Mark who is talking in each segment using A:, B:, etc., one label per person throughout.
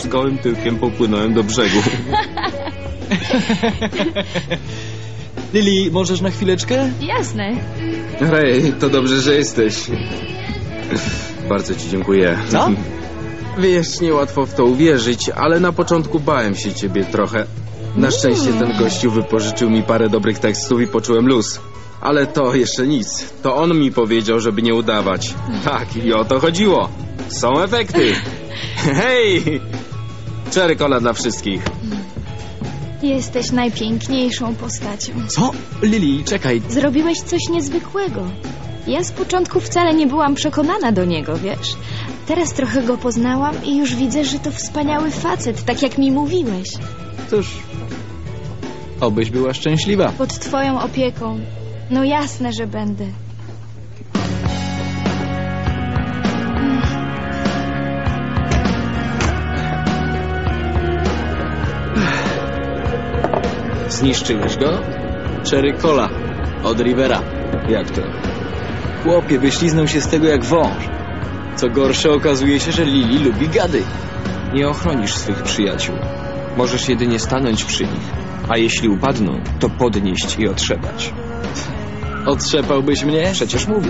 A: z gołym tyłkiem popłynąłem do brzegu.
B: Lili, możesz na chwileczkę?
C: Jasne.
A: Rej, to dobrze, że jesteś. Bardzo ci dziękuję.
B: Co?
A: Wiesz, niełatwo w to uwierzyć, ale na początku bałem się ciebie trochę. Na szczęście ten gościu wypożyczył mi parę dobrych tekstów i poczułem luz. Ale to jeszcze nic. To on mi powiedział, żeby nie udawać. Tak, i o to chodziło. Są efekty. Hej! Cherry cola dla wszystkich.
C: Jesteś najpiękniejszą postacią.
B: Co? Lili, czekaj.
C: Zrobiłeś coś niezwykłego. Ja z początku wcale nie byłam przekonana do niego, wiesz? Teraz trochę go poznałam i już widzę, że to wspaniały facet, tak jak mi mówiłeś.
B: Cóż, obyś była szczęśliwa.
C: Pod twoją opieką. No jasne, że będę.
B: Zniszczyłeś go? Cherry cola od Rivera.
A: Jak to?
B: Chłopie, wyśliznął się z tego jak wąż. Co gorsze, okazuje się, że Lili lubi gady.
A: Nie ochronisz swych przyjaciół. Możesz jedynie stanąć przy nich. A jeśli upadną, to podnieść i otrzepać.
B: Otrzepałbyś mnie?
A: Przecież mówię.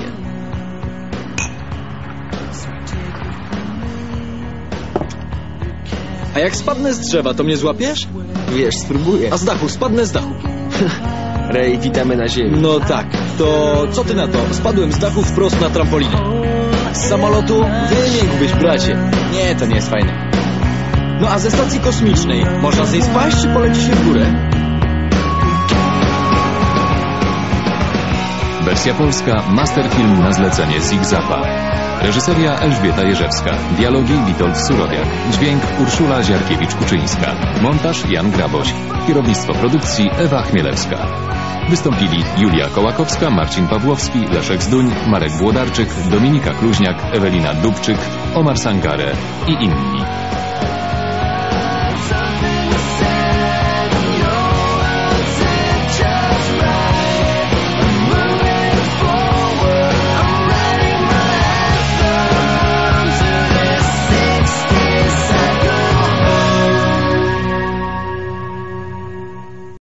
B: A jak spadnę z drzewa, to mnie złapiesz?
A: Wiesz, spróbuję.
B: A z dachu, spadnę z dachu.
A: Rej, witamy na ziemi.
B: No tak, to co ty na to? Spadłem z dachu wprost na trampolinę. Z samolotu wymiękłbyś, bracie. Nie, to nie jest fajne. No a ze stacji kosmicznej można z niej spaść, czy poleci się w górę?
D: Wersja polska, masterfilm na zlecenie Zig-Zapa. Reżyseria Elżbieta Jerzewska. Dialogi Witold Surowiak. Dźwięk Urszula Ziarkiewicz-Kuczyńska. Montaż Jan Graboś. Kierownictwo produkcji Ewa Chmielewska. Wystąpili Julia Kołakowska, Marcin Pawłowski, Leszek Zduń, Marek Włodarczyk, Dominika Kluźniak, Ewelina Dubczyk, Omar Sangare i inni.